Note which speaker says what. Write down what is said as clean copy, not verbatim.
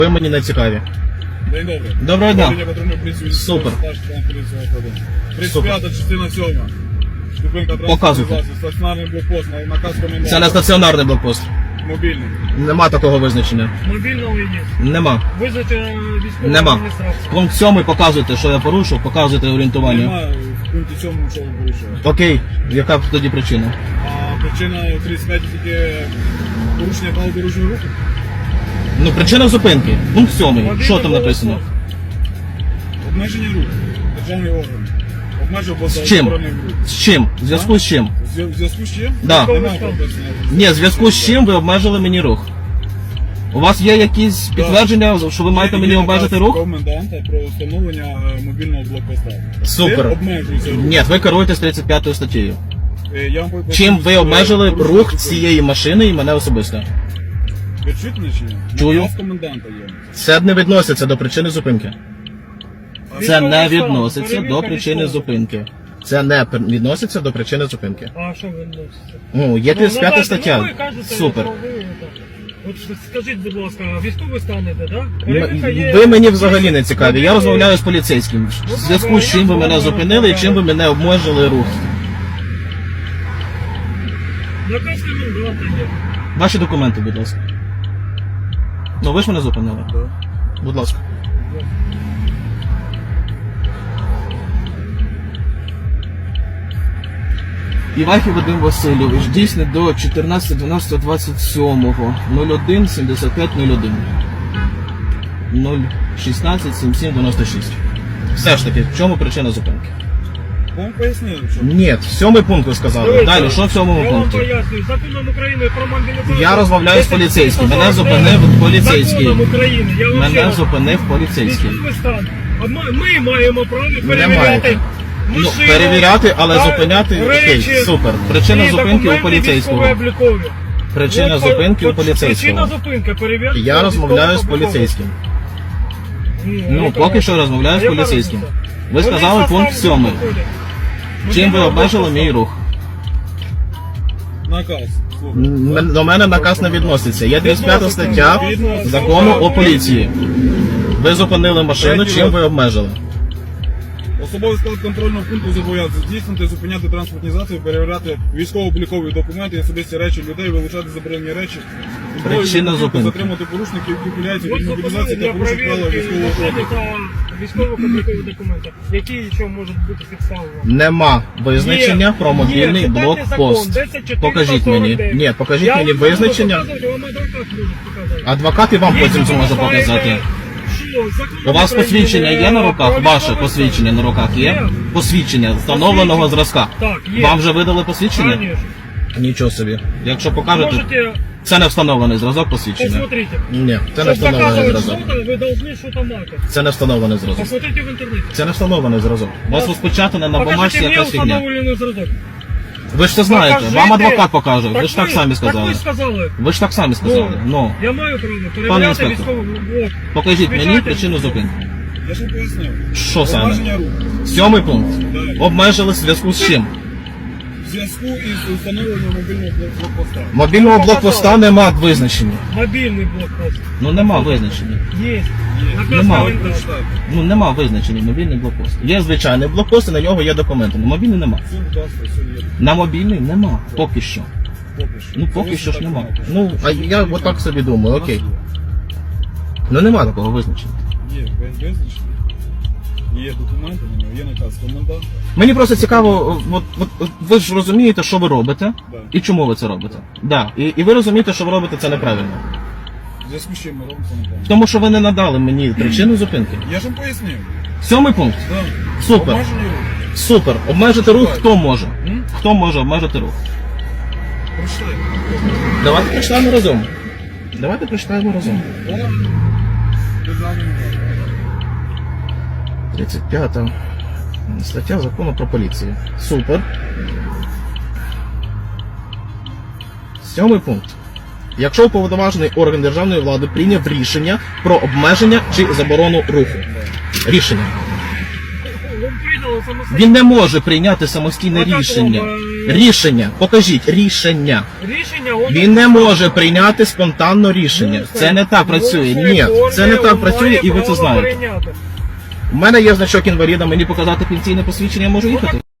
Speaker 1: Ви мені не цікаві.
Speaker 2: День добрий.
Speaker 1: Доброго дня.
Speaker 2: Супер. 35 частина 7. Зупинка
Speaker 1: Показуйте.
Speaker 2: транспортний засіб, стаціонарний блокпост, наказ коменданта.
Speaker 1: Це не стаціонарний блокпост.
Speaker 2: Мобільний.
Speaker 1: Нема такого визначення.
Speaker 3: Мобільного є.
Speaker 1: Нема.
Speaker 3: Визнати військову
Speaker 1: Нема.
Speaker 3: адміністрацію.
Speaker 1: Пункт 7 показуйте, що я порушив, показуйте орієнтування.
Speaker 2: Немає в пункті 7, що ви порушили.
Speaker 1: Окей, яка тоді причина?
Speaker 2: А причина 35 тільки порушення правил дорожнього руху.
Speaker 1: Ну, причина зупинки. Пункт 7.
Speaker 3: Мобільний
Speaker 1: Що там написано?
Speaker 3: блокпост.
Speaker 2: Обмеження руху. Державний орган. Обмежив або
Speaker 1: З чим?
Speaker 2: заборонив рух.
Speaker 1: З чим? В зв'язку з чим?
Speaker 2: В зв'язку з чим?
Speaker 1: Да.
Speaker 2: Немає прописано.
Speaker 1: Ні, в зв'язку з чим ви обмежили мені рух? У вас є якісь підтвердження, що ви маєте мені
Speaker 2: Є
Speaker 1: обмежити
Speaker 2: наказ
Speaker 1: рух?
Speaker 2: коменданта про встановлення мобільного блокпоста.
Speaker 1: Супер.
Speaker 2: Це обмежується рух.
Speaker 1: Ні, ви керуєтесь 35 статтею.
Speaker 2: Я вам поясню,
Speaker 1: Чим ви
Speaker 2: що
Speaker 1: обмежили
Speaker 2: порушення
Speaker 1: рух
Speaker 2: закону.
Speaker 1: цієї машини і мене особисто?
Speaker 2: Ви чуєте мене чи ні?
Speaker 1: Чую.
Speaker 2: Наказ коменданта є.
Speaker 1: Це не відноситься до причини зупинки. Це не
Speaker 3: Військовий стан,
Speaker 1: відноситься до
Speaker 3: перевірка
Speaker 1: причини
Speaker 3: військового.
Speaker 1: зупинки. Це не відноситься до причини зупинки.
Speaker 3: А що ви носите?
Speaker 1: Ну, є 35
Speaker 3: Ну,
Speaker 1: стаття.
Speaker 3: ви кажете,
Speaker 1: Супер.
Speaker 3: що ви, так. От скажіть, будь ласка, військовий стан іде, так? Перевірка є.
Speaker 1: Ви мені взагалі не цікаві. Я розмовляю з поліцейським. В зв'язку з чим ви мене зупинили і чим ви мене обмежили рух.
Speaker 3: Наказ коменданта є.
Speaker 1: Ваші документи, будь ласка. Ну, ви ж мене зупинили. Будь ласка. Івахів Вадим Васильович, дійсний до 14.12.27, 01 75 01. 016 77 96. Все ж таки, в чому причина зупинки?
Speaker 2: Вам пояснили, що
Speaker 1: Ні, в 7 пункт ви сказали.
Speaker 3: Дивіться,
Speaker 1: Далі, що в 7
Speaker 3: Я вам
Speaker 1: пункті?
Speaker 3: пояснюю, законом України про мобілізацію.
Speaker 1: Я розмовляю з поліцейським. Мене
Speaker 3: 10
Speaker 1: зупинив поліцейський.
Speaker 3: Законом України. Я вам ще
Speaker 1: Мене
Speaker 3: раз.
Speaker 1: зупинив поліцейський.
Speaker 3: Військовий стан. А ми маємо право
Speaker 1: маєте.
Speaker 3: перевіряти
Speaker 1: Ну,
Speaker 3: машину,
Speaker 1: перевіряти, але
Speaker 3: та
Speaker 1: зупиняти, окей,
Speaker 3: речі,
Speaker 1: супер. Причина
Speaker 3: і
Speaker 1: зупинки у
Speaker 3: документи
Speaker 1: поліцейського.
Speaker 3: військово-облікові.
Speaker 1: Причина
Speaker 3: От,
Speaker 1: зупинки у
Speaker 3: от
Speaker 1: поліцейського.
Speaker 3: Причина зупинки, перевірка.
Speaker 1: Я розмовляю з
Speaker 3: військово-облікових.
Speaker 1: поліцейським.
Speaker 3: Ні,
Speaker 1: Ну,
Speaker 3: яка
Speaker 1: поки що
Speaker 3: разниця?
Speaker 1: розмовляю з
Speaker 3: Яка
Speaker 1: поліцейським.
Speaker 3: разниця?
Speaker 1: Ви
Speaker 3: Вони
Speaker 1: сказали
Speaker 3: в
Speaker 1: пункт
Speaker 3: составі
Speaker 1: 7.
Speaker 3: входять.
Speaker 1: Чим ви
Speaker 3: Мобільного
Speaker 1: обмежили
Speaker 3: блокпосту.
Speaker 1: мій рух?
Speaker 2: наказ. Слухай.
Speaker 1: До мене наказ не відноситься. Є 35 стаття закону о поліції. Ви зупинили машину, чим ви обмежили?
Speaker 2: Особовий склад контрольного пункту зобов'язаний здійснити, зупиняти транспортні засоби, перевіряти військово-облікові документи, особисті речі людей, вилучати заборонені речі,
Speaker 1: Причина зупинки.
Speaker 2: затримати порушників, які ухиляються
Speaker 3: От
Speaker 2: від мобілізації
Speaker 3: зупинили
Speaker 2: та
Speaker 3: для
Speaker 2: порушень правил
Speaker 3: перевірки
Speaker 2: військового
Speaker 3: документів
Speaker 2: кодексу.
Speaker 3: та військово-облікові документи. Які що можуть бути фіксовані?
Speaker 1: Нема визначення про мобільний
Speaker 3: Є, читайте
Speaker 1: блокпост.
Speaker 3: закон, 10.449.
Speaker 1: Покажіть мені. Ні, покажіть
Speaker 3: Я
Speaker 1: мені
Speaker 3: вам можу
Speaker 1: визначення.
Speaker 3: показати, вам адвокат може показати.
Speaker 1: Адвокат і вам потім
Speaker 3: Якщо ви
Speaker 1: зможе
Speaker 3: знаєте,
Speaker 1: показати.
Speaker 3: що закон
Speaker 1: У вас
Speaker 3: України
Speaker 1: посвідчення є на руках?
Speaker 3: про
Speaker 1: Ваше
Speaker 3: військовий
Speaker 1: посвідчення на руках є?
Speaker 3: Є.
Speaker 1: Посвідчення встановленого зразка.
Speaker 3: Так, є.
Speaker 1: Вам вже видали посвідчення?
Speaker 3: Конечно.
Speaker 1: Нічого собі. Якщо покажете,
Speaker 3: Можете,
Speaker 1: це не встановлений зразок посвідчення.
Speaker 3: посмотрите.
Speaker 1: Ні, це не
Speaker 3: Чтобы
Speaker 1: встановлений
Speaker 3: доказывать
Speaker 1: зразок.
Speaker 3: что-то, вы должны что-то мати.
Speaker 1: Це не встановлений зразок.
Speaker 3: Посмотрите в интернете.
Speaker 1: Це не встановлений зразок. У вас розпечатане на бумажці
Speaker 3: Покажите мне
Speaker 1: якась фігня.
Speaker 3: установленный зразок.
Speaker 1: Ви ж це знаєте,
Speaker 3: Покажите.
Speaker 1: вам адвокат покаже. Ви ж так самі
Speaker 3: Так
Speaker 1: сказали.
Speaker 3: ви ж сказали.
Speaker 1: Ви ж так самі сказали. Ну,
Speaker 3: Я маю право
Speaker 1: Пане
Speaker 3: перевіряти
Speaker 1: інспектор.
Speaker 3: військову. Вот.
Speaker 1: покажіть мені
Speaker 3: Звичайно.
Speaker 1: причину зупинки.
Speaker 2: Я ж вам пояснив.
Speaker 1: Що саме?
Speaker 2: Обмеження руху.
Speaker 1: 7 пункт.
Speaker 2: Так.
Speaker 1: Обмежили в зв'язку з чим?
Speaker 2: В зв'язку із встановленням мобільного блокпоста.
Speaker 1: Мобільного блокпоста нема визначення.
Speaker 3: Мобільний блокпост.
Speaker 1: Ну нема визначення.
Speaker 3: Є. Наказ
Speaker 1: Нема.
Speaker 3: коменданта.
Speaker 1: Ну нема визначення мобільний блокпост. Є звичайний блокпост, і на нього є документи. На мобільний нема.
Speaker 2: Все, будь ласка, все є.
Speaker 1: На мобільний нема. Поки що.
Speaker 2: Поки що.
Speaker 1: Ну поки
Speaker 2: Це
Speaker 1: що ж
Speaker 2: так
Speaker 1: нема.
Speaker 2: написано.
Speaker 1: Ну, а я отак собі думаю, окей. Ну нема такого визначення.
Speaker 2: Є визначення. Є документи на нього, є наказ коменданта.
Speaker 1: Мені просто цікаво, от ви ж розумієте, що ви робите,
Speaker 2: Да.
Speaker 1: і чому ви це робите. Да. І ви розумієте, що ви робите це неправильно.
Speaker 2: В зв'язку з чим ми робимо це неправильно.
Speaker 1: Тому що ви не надали мені причину зупинки.
Speaker 2: Я ж вам пояснив.
Speaker 1: 7 пункт.
Speaker 2: Так.
Speaker 1: Супер.
Speaker 2: Обмеження руху.
Speaker 1: Супер. Обмежити рух хто може?
Speaker 2: М?
Speaker 1: Хто може обмежити рух?
Speaker 2: Прочитай.
Speaker 1: Давайте прочитаємо разом. Давайте прочитаємо разом.
Speaker 2: Орган державної влади.
Speaker 1: 35 стаття закону про поліцію. Супер. 7 пункт. Якщо уповноважений орган державної влади прийняв рішення про обмеження чи заборону руху. Рішення.
Speaker 3: Ви прийняли самостійно.
Speaker 1: Він не може прийняти самостійне
Speaker 3: Отак,
Speaker 1: рішення.
Speaker 3: о,
Speaker 1: Рішення. Покажіть, рішення.
Speaker 3: Рішення он
Speaker 1: Він не може прийняти спонтанно рішення. Це не так працює. Ні, це не так працює, і ви це знаєте. У мене є значок інваліда, мені показати пенсійне посвідчення, я можу їхати.